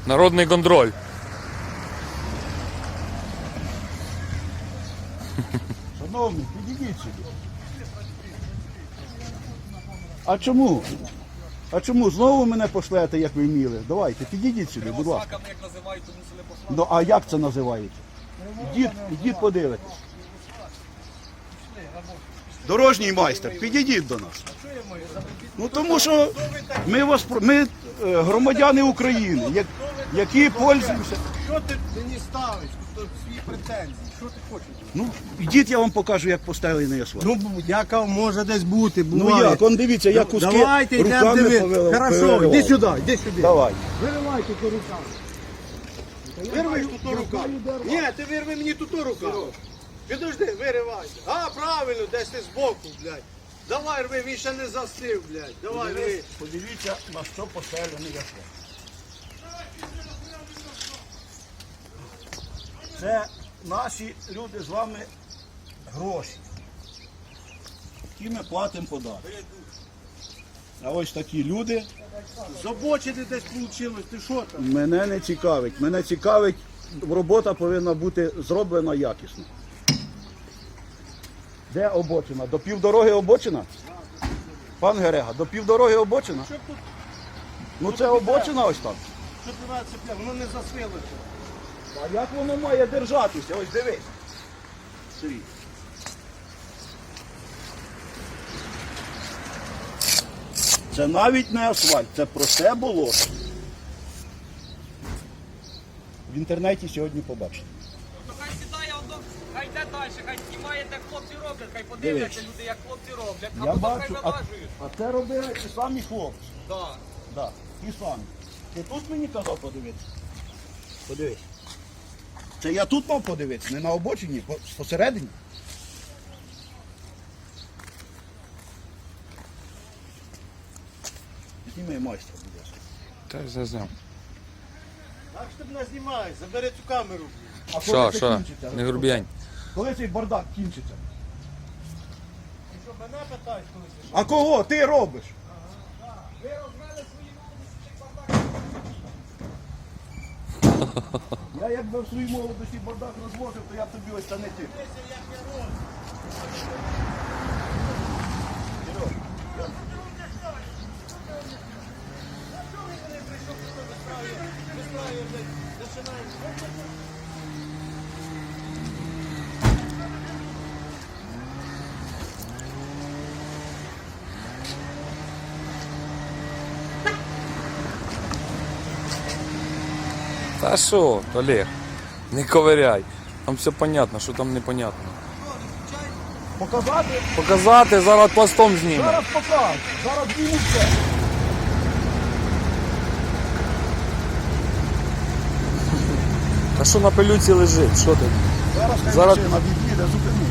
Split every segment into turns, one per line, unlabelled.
Народний контроль.
Шановні, підійдіть сюди. А чому? А чому? Знову мене пошлете, як ви вміли? Давайте, підійдіть сюди, будь ласка.
Собаками, як називають, то мусили послати.
Ну, а як це називається? Ідіть подивитесь. Дорожній майстер, підійдіть до нас. Ну тому що ми громадяни України, які пользуються.
Що ти мені ставиш? Тут свої претензії. Що ти хочеш?
Ну, ідіть, я вам покажу, як поставлений асфальт.
Ну, яка може десь бути,
Ну
буває.
як, он дивіться, я куски
Давайте йдемо
руками
дивитися. Хорошо, йди сюди, йди сюди.
Давай.
Виривай тут руками. Вирви тут руками. Ні, ти вирви мені тут руками. Підожди, виривай. А, правильно, десь ти збоку, блядь. Давай рви, він ще не застив, блядь. Давай рви.
Подивіться, на що поставлений асфальт. Це наші люди з вами гроші, які ми платимо податки. А ось такі люди
З обочини десь вийшло, ти що там?
мене не цікавить. Мене цікавить, робота повинна бути зроблена якісно. Де обочина? До півдороги обочина? Пан Герега, до півдороги обочина?
Що тут?
Ну це обочина ось там.
Що ти вас цепляв? Воно не засвилося.
А як воно має держатися? Ось дивись. Сергій. Це навіть не асфальт, це просте болото. В інтернеті сьогодні побачите.
Ну хай сідає, хай йде далі, хай знімає, як хлопці роблять, хай подивляться люди, як хлопці роблять, а
Я
потім хай
бачу,
вилажують.
а це робили ті самі хлопці.
Да.
Да, ті самі. Ти тут мені казав подивитися? Подивись. Це я тут мав подивитися, не на обочині, посередині. Зніми майстра, будь ласка.
Та я зняв.
Так що ти мене знімаєш, забери цю камеру.
А коли це
Що?
кінчиться?
Не грубіянь.
Коли цей бардак кінчиться?
Ти що, мене питаєш, коли ти?
А кого ти робиш?
Ви розвели свої молодості бардак.
Я якби в своїй молодості бардак розвозив, то я б тобі ось це не тих.
Та що, Олег, не ковиряй. Там все понятно, що там непонятно.
Показати?
Показати, зараз пластом зніме.
Зараз покажу. Зараз зніму все.
Та що на пилюці лежить, що ти?
Зараз
Зараз-
машина від'їде, зупини.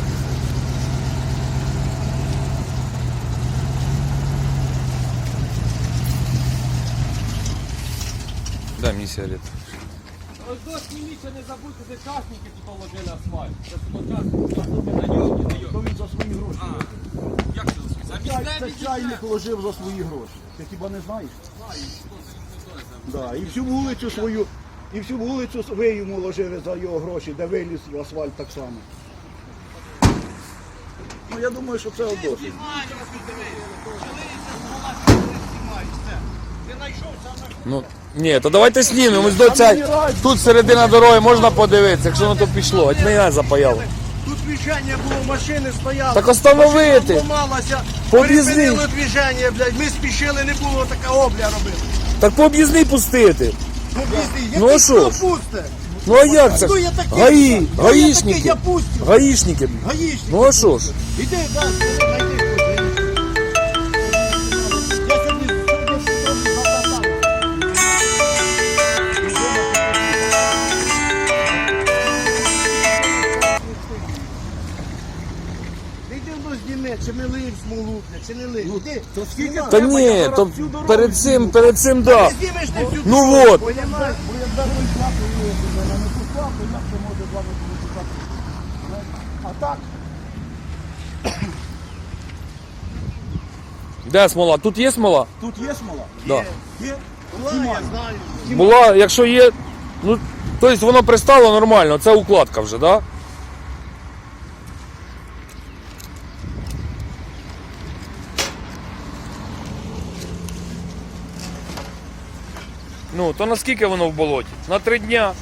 Дай мені сигарету.
Ось до зніміться, не забудьте, де часники тут положили асфальт. Це часники, на нього, на
То
нього.
він за свої гроші.
Як це засвітить?
Це чайник вложив за свої гроші. Ти хіба не знаєш? Да, і всю вулицю свою, і всю вулицю ви йому вложили за його гроші, де виліз в асфальт так само. Ну я думаю, що це одосить.
Ти знайшов саме.
Ну, ні, то давайте знімемо. Ось до ця... Тут середина дороги можна подивитися, якщо воно то пішло. От мене запаяло.
Тут движення було, машини стояли.
Так остановити.
Машина зламалася,
По об'їзній.
перепинили движення, блядь. Ми спішили, не було така обля робити.
Так по об'їзний пустити.
Ну, пізді,
Ну, а що ж?
пусте?
Ну а як це?
Хто я такий?
ГАІ,
Хто я такий?
гаїшники.
Я пустю.
Гаїшники.
Гаїшник.
Ну а що ж?
Іди, дай, знайди когось, гаїшник. Я сьогодні запитав. Ти йди до зніми, чи ми лиємо смолу, бля, чи не лиємо. Іди.
То скільки
Знімай.
Та ні, то перед цим, да.
Ти знімеш ти всю
Ну
дорогу,
от.
понімаєш?
Бо як зараз плату мене не пускав, то як це може з вами комунікувати? А так,
Де смола? Тут є смола?
тут є смола?
Да.
Є.
Я знаю.
Була, якщо є, ну, тобто воно пристало нормально, це укладка вже, так? Да? Ну, то наскільки воно в болоті? На 3 дня.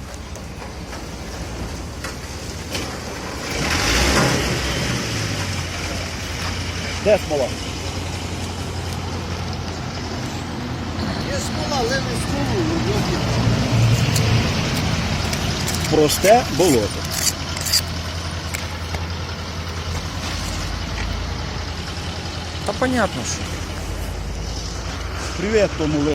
Де смола?
Є смола, леви смолу.
Просте болото.
Та понятно, що.
Привіт тому